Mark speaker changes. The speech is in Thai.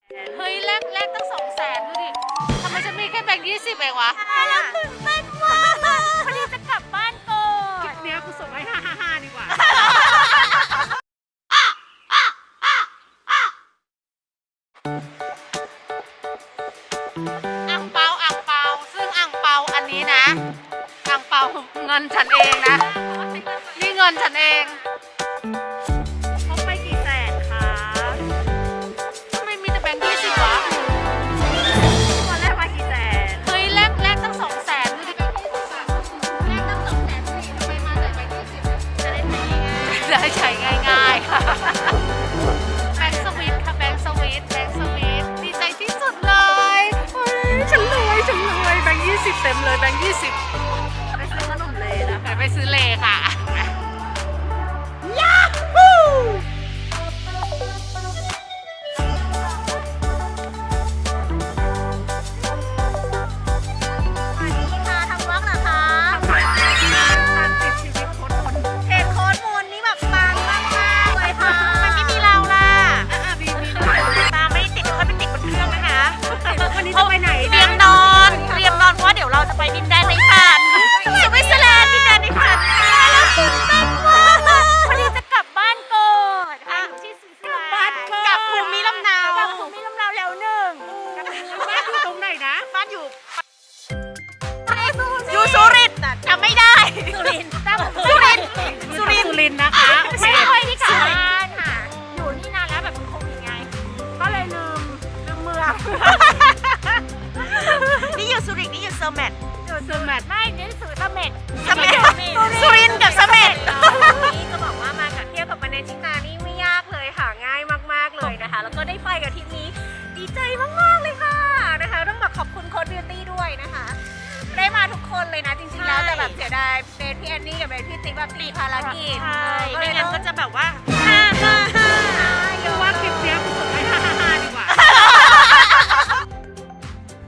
Speaker 1: เฮ้ยแลกตั้ง200,000ดูดิทำไมฉันมีแค่แบงค์20เองวะ
Speaker 2: เราตื่นเต้นมากพอดีจะกลับบ้านก่อน
Speaker 3: คลิปเนี้ยกูส่งให้555ดีกว่า
Speaker 1: อ่างเปาซึ่งอ่างเปาอันนี้นะอ่างเปาเงินฉันเองนะนี่เงินฉันเอง
Speaker 2: พกไปกี่แสนคะ
Speaker 1: ทำไมมีแต่แบงค์20วะ
Speaker 2: วันแรกมากี่แสน
Speaker 1: เฮ้ยแลกตั้ง200,000ดูดิแลกตั้ง200,000สิทำไมมาแต่แบงค์20จะได้ใช้ง่ายๆค่ะแบงค์สวิตค่ะแบงค์สวิตดีใจที่สุดเลยเฮ้ยฉันรวยแบงค์20เต็มเลยแบงค์20
Speaker 2: ไปซื้อขนมเลยนะ
Speaker 1: ไปซื้อเลค่ะ
Speaker 2: สวัสดีค่ะทำวอล์กเหรอคะ
Speaker 3: การติดชีวิตโคตรคน
Speaker 2: เพจโค้ดมูลนี่แบบปังมากๆเลยค่ะมันไม่มีเราล่ะ
Speaker 3: มี
Speaker 2: ตาไม่ได้ติดค่อยไปติดบนเครื่องนะคะ
Speaker 3: วันนี้จะไปไหน
Speaker 2: เตรียมนอนเพราะว่าเดี๋ยวเราจะไปดินแดนในฝันสวิตเซอร์แลนด์ดินแดนในฝันแล้วตื่นเต้นมากพอดีจะกลับบ้านก่อนอยู่ที่สวิตเซอร์แลนด์กลับภูมิลำเนาแล้วหนึ่ง
Speaker 3: บ้านอยู่ตรงไหนนะ
Speaker 2: บ้านอยู่สุรินทร์จำไม่ได้สุรินทร์นะคะ ไม่ค่อยที่กลับบ้านค่ะอยู่นี่นานแล้วแบบมันโควิดไงก็เลยลืมเมือง นี่อยู่สุรินทร์นี่อยู่เซอร์แมท
Speaker 3: เซอร์แมท
Speaker 2: ไม่นี่สุเสม็ดสุรินทร์กับเสม็ดนี่จะบอกว่ามากับเที่ยวกับมาเนชิตานี่ไม่ยากเลยค่ะง่ายมากๆเลยนะคะ แล้วก็ได้ไปกับทริปนี้ดีใจมากๆเลยค่ะนะคะต้องแบบขอบคุณโค้ดบิวตี้ด้วยนะคะ ได้มาทุกคนเลยนะจริงๆแล้วแต่แบบเสียดายเบนพี่แอนนี่กับเบนพี่ติ๊กแบบติดภารกิจ
Speaker 4: ใช่
Speaker 2: ก็เล
Speaker 4: ไม่
Speaker 2: ย
Speaker 4: งั้น
Speaker 2: ต้อง
Speaker 4: ก็จะแบบว่า
Speaker 2: 5 5 5